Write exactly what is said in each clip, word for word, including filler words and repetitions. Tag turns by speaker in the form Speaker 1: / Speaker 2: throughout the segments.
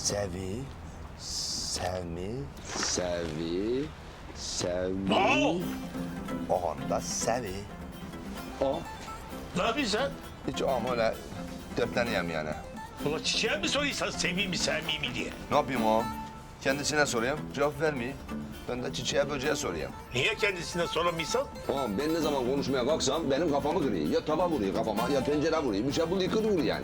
Speaker 1: Sevi, sevmi,
Speaker 2: Sevi, sevmi.
Speaker 3: Aa!
Speaker 1: o anda sevi.
Speaker 2: O.
Speaker 3: Ne yapıyorsun sen?
Speaker 1: Hiç ama öyle dertleneyim yani.
Speaker 3: Ulan çiçeğe mi soruyorsan seveyim mi sevmeyeyim mi diye?
Speaker 1: Ne yapayım o? Kendisine sorayım, cevap vermeyeyim. Ben de çiçeğe böceğe sorayım.
Speaker 3: Niye kendisine soramıyorsan?
Speaker 2: Oğlum ben ne zaman konuşmaya kalksam benim kafamı kırıyor. Ya tava vuruyor kafama ya tencere vuruyor. Bir şey buluyor kır vuruyor yani.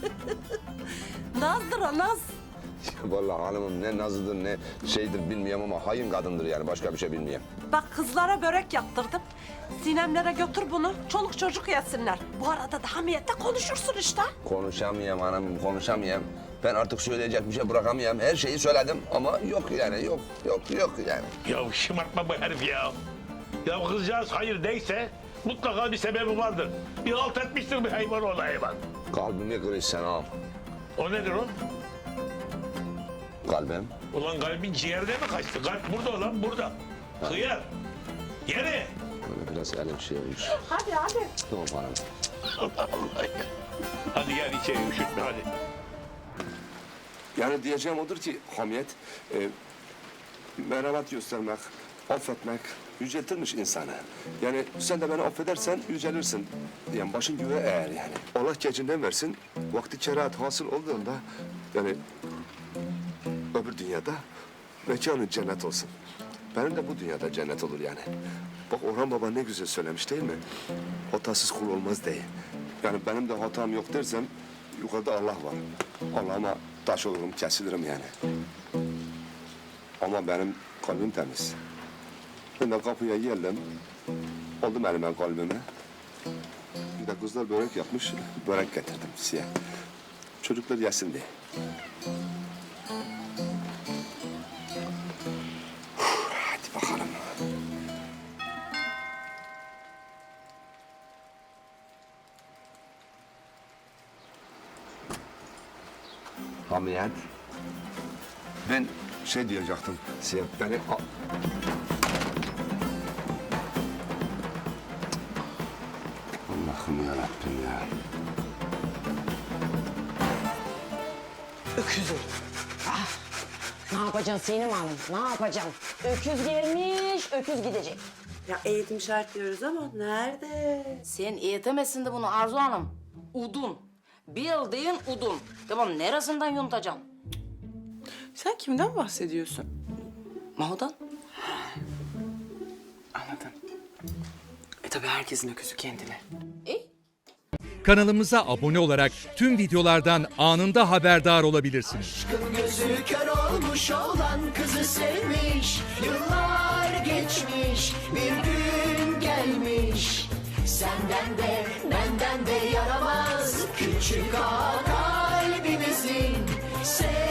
Speaker 4: Nazdır o naz.
Speaker 2: Vallahi hanımım ne nazıdır ne şeydir bilmiyorum ama hayın kadındır yani başka bir şey bilmiyorum.
Speaker 4: Bak kızlara börek yaptırdım. Sinemlere götür bunu. Çoluk çocuk yesinler. Bu arada da hamiyette konuşursun işte.
Speaker 2: Konuşamıyorum hanımım konuşamıyorum. Ben artık söyleyecek bir şey bırakamıyorum. Her şeyi söyledim ama yok yani yok yok yok yani.
Speaker 3: Ya şımartma bu herif ya. Ya kızcağız hayır değilse mutlaka bir sebebi vardır. Bir halt etmiştir bir hayvan ola hayvan.
Speaker 2: Kalbimi kırış sen ağam.
Speaker 3: O nedir o?
Speaker 2: Kalbim.
Speaker 3: Ulan kalbin ciğerde mi kaçtı? Kalp burada ulan burada. Hıyar. Yere.
Speaker 2: Böyle biraz elim şey olmuş.
Speaker 4: Hadi hadi.
Speaker 2: Tamam hanım.
Speaker 3: Allah Allah ya. Hadi gel içeri üşütme hadi.
Speaker 5: Yani diyeceğim odur ki hamiyet, e, merhamet göstermek, affetmek yüceltirmiş insanı. Yani sen de beni affedersen yücelirsin. Yani başın güve eğer yani. Allah gecinden versin, vakti kerahat hasıl olduğunda yani öbür dünyada mekanın cennet olsun. Benim de bu dünyada cennet olur yani. Bak Orhan Baba ne güzel söylemiş değil mi? Hatasız kul olmaz değil. Yani benim de hatam yok dersem yukarıda Allah var. Allah'ıma taş olurum, kesilirim yani. Ama benim kalbim temiz. Ben de kapıya geldim, oldum elime kalbime. Bir de kızlar börek yapmış, börek getirdim siyah. Çocuklar yesin diye. Hadi bakalım. Hamiyet. Ben şey diyecektim. Siyah beni... Allah'ım yarabbim ya.
Speaker 6: Öküzüm. Ah, ne yapacaksın Sinem Hanım? Ne yapacaksın? Öküz gelmiş, öküz gidecek.
Speaker 7: Ya eğitim şart diyoruz ama nerede?
Speaker 6: Sen eğitemezsin de bunu Arzu Hanım. Udun. Bildiğin udun. Tamam neresinden yuntacaksın?
Speaker 7: Sen kimden bahsediyorsun?
Speaker 6: Maho'dan.
Speaker 7: Anladım. E tabii herkesin öküzü kendine.
Speaker 6: E?
Speaker 8: Kanalımıza abone olarak tüm videolardan anında haberdar olabilirsiniz.
Speaker 9: Gözü kör olmuş olan kızı sevmiş. Yıllar geçmiş, bir gün gelmiş. Senden de benden de yaramaz küçük ağa kalbimizin. Sev